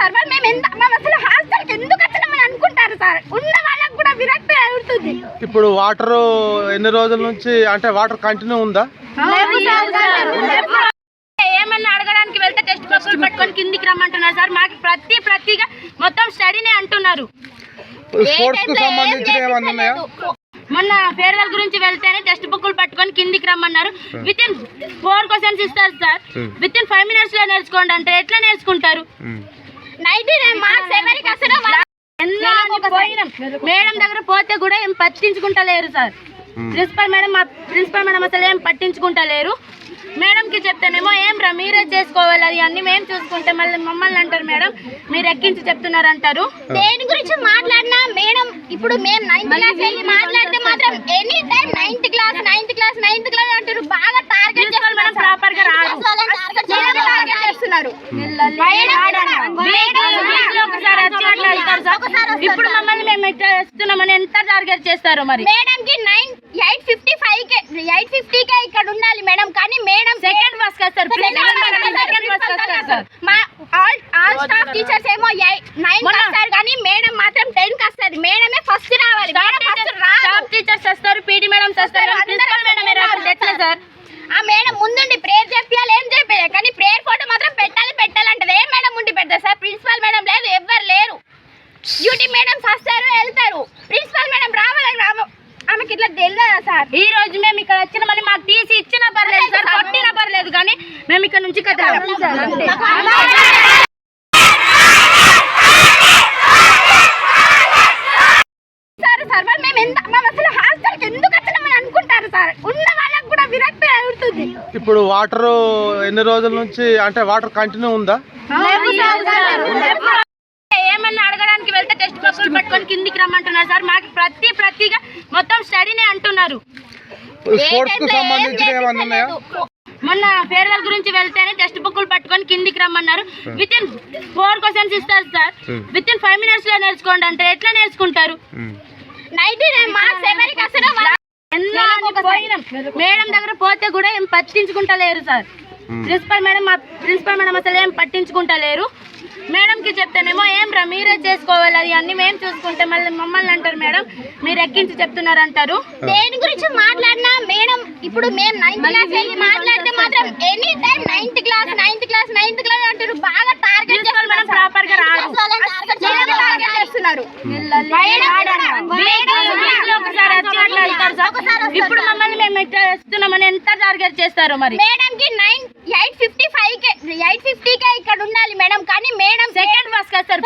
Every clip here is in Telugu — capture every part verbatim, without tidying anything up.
సార్ మేము ఎంత మేము అసలు హాస్టల్కి ఎందుకు వచ్చినామని అనుకుంటారు సార్. ఉన్న వాళ్ళకి కూడా విరక్తి అవుతుంది. ఇప్పుడు వాటర్ ఎన్ని రోజుల నుంచి అంటే వాటర్ కంటిన్యూ ఉందా? ఏమన్నా అడగడానికి వెళ్తే టెక్స్ట్ బుక్లు పట్టుకొని కిందికి రమ్మంటున్నారు సార్. మాకు ప్రతి ప్రతిగా మొత్తం స్టడీనే అంటున్నారు. స్పోర్ట్స్ కు సంబంధించిన ఏమన్నా ఉన్నాయా? మొన్న ఫేర్వెల్ గురించి వెళ్తేనే టెక్స్ట్ బుక్లు పట్టుకొని కిందికి రమ్మన్నారు. విత్ ఇన్ ఫోర్ క్వశ్చన్స్ ఇస్తారు sir. Within five minutes లో నేర్చుకోండి అంటే ఎట్లా నేర్చుకుంటారు? నైన్టీ నైన్ మార్క్స్ ఎవరికి అసలు మేడం దగ్గర పోతే కూడా ఏం పట్టించుకుంటలేరు సార్. ప్రిన్సిపల్ మేడం మా ప్రిన్సిపల్ మేడం అసలు ఏం పట్టించుకుంటలేరు. మేడంకి చెప్తానేమో ఏం రా మీరే చేసుకోవాలి అది అన్ని మేము చూసుకుంటే మళ్ళీ మమ్మల్ని అంటారు మేడం మీరు ఎక్కించి చెప్తున్నారు అంటారు. దేని గురించి మాట్లాడినా మేడం ఇప్పుడు మేము నైన్త్ క్లాస్ వెళ్ళి మాట్లాడితే మాత్రం any time ninth class ninth class ninth class అంటారు. బాగా టార్గెట్ చేస్తున్నారు మేడం. ప్రాపర్ గా రాదు టార్గెట్ చేస్తున్నారు. ఇప్పుడు మమ్మల్ని మేము ఇట్లా చేస్తున్నామని ఎంత టార్గెట్ చేస్తారు మరి? మేడం కి నైన్ ఎయిట్ ఫిఫ్టీ ఫైవ్ కే ఎయిట్ ఫిఫ్టీ కే ఇక్కడ ఉండాలి మేడం. కానీ మేడం సెకండ్ బస్ వస్తారు. మా ఆల్ ఆల్ స్టాఫ్ టీచర్స్ ఏమో నైన్ వస్తారు కానీ మేడం మాత్రం టెన్ కి వస్తుంది. మేడమే ఫస్ట్ రావాలి. స్టాఫ్ టీచర్స్ వస్తారు, పీటీ మేడం వస్తారు, ప్రిన్సిపల్ మేడం రావాలి. ఎట్లా సార్? ఆ మేడం ముందుండి ప్రేయర్ చెప్పాలి ఏం చెప్పాలి కానీ ప్రేయర్ ఫోటో మాత్రం పెట్టాలి పెట్టాలంటది. ఏ మేడం ఉండి పెడతారు సార్? ప్రిన్సిపల్ మేడం లేదు, ఎవ్వరు లేరు. డ్యూటీ మేడమ్స్ వస్తారు వెళ్తారు. ప్రిన్సిపల్ మేడం రావాలని రావ ఆమెకి ఇట్లా తెలియదా సార్? ఈ రోజు మేము ఇక్కడ వచ్చిన మళ్ళీ మాకు టీసీ ఇచ్చినా పర్లేదు సార్, కొట్టినా పర్లేదు కానీ మేము ఇక్కడ నుంచి కదలం సార్. సార్ మేము ఎంత మేము అసలు హాస్టల్కి ఎందుకు వచ్చినామని అనుకుంటారు సార్. ఉన్న వాళ్ళకి కూడా విరక్తి అవుతుంది. ఇప్పుడు వాటర్ ఎన్ని రోజుల నుంచి అంటే వాటర్ కంటిన్యూ ఉందా? ఏమన్నా అడగడానికి వెళ్తే టెక్స్ట్ బుక్లు పట్టుకొని కిందికి రమ్మంటున్నారు సార్. మాకు ప్రతి ప్రతిగా మొత్తం స్టడీనే అంటున్నారు. స్పోర్ట్స్ కు సంబంధించిన ఏమన్నా ఉన్నాయా? మొన్న ఫేర్వెల్ గురించి వెళ్తేనే టెక్స్ట్ బుక్లు పట్టుకొని కిందికి రమ్మన్నారు. విత్ ఇన్ ఫోర్ క్వశ్చన్స్ ఇస్తారు sir. Within five minutes లో నేర్చుకోండి అంటే ఎట్లా నేర్చుకుంటారు? నైన్టీ నైన్ మార్క్స్ ఎవరికి అసలు మేడం దగ్గర పోతే కూడా ఏం పట్టించుకుంటలేరు సార్. ప్రిన్సిపల్ మేడం మా ప్రిన్సిపల్ మేడం అసలు ఏం పట్టించుకుంటలేరు. మేడంకి చెప్తానేమో ఏం రా మీరే చేసుకోవాలి అది అన్ని మేము చూసుకుంటే మళ్ళీ మమ్మల్ని అంటారు మేడం మీరు ఎక్కించి చెప్తున్నారు అంటారు. దేని గురించి మాట్లాడినా మేడం ఇప్పుడు మేము నైన్త్ క్లాస్ వెళ్ళి మాట్లాడితే మాత్రం any time ninth class ninth class ninth class అంటారు. బాగా టార్గెట్ చేస్తున్నారు. ప్రాపర్ గా రాదు టార్గెట్ చేస్తున్నారు. ఇప్పుడు మమ్మల్ని మేము ఇట్లా చేస్తున్నామని ఎంత టార్గెట్ చేస్తారు మరి? మేడం కి నైన్ ఎయిట్ ఫిఫ్టీ ఫైవ్ కే ఎయిట్ ఫిఫ్టీ కే ఇక్కడ ఉండాలి మేడం. కానీ మేడం సెకండ్ బస్ వస్తారు.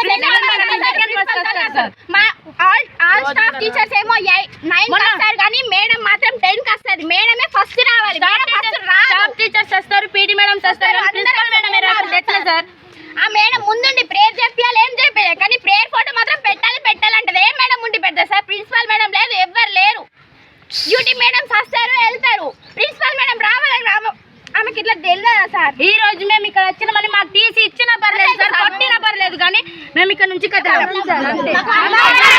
మా ఆల్ ఆల్ స్టాఫ్ టీచర్స్ ఏమో నైన్ వస్తారు కానీ మేడం మాత్రం టెన్ కి వస్తుంది. మేడమే ఫస్ట్ రావాలి. స్టాఫ్ టీచర్స్ వస్తారు, పీటీ మేడం వస్తారు, ప్రిన్సిపల్ మేడం రావాలి. ఎట్లా సార్? ఆ మేడం ముందుండి ప్రేయర్ చెప్పాలి ఏం చెప్పాలి కానీ ప్రేయర్ ఫోటో మాత్రం పెట్టాలి పెట్టాలంటది. ఏ మేడం ఉండి పెడతారు సార్? ప్రిన్సిపల్ మేడం లేదు, ఎవ్వరు లేరు. డ్యూటీ మేడమ్స్ వస్తారు వెళ్తారు. ప్రిన్సిపల్ మేడం రావాలని రావ ఆమెకి ఇట్లా తెలియదా సార్? ఈ రోజు మేము ఇక్కడ వచ్చిన మళ్ళీ మాకు టీసీ ఇచ్చినా పర్లేదు సార్, కొట్టినా పర్లేదు కానీ మేము ఇక్కడ నుంచి కదలం.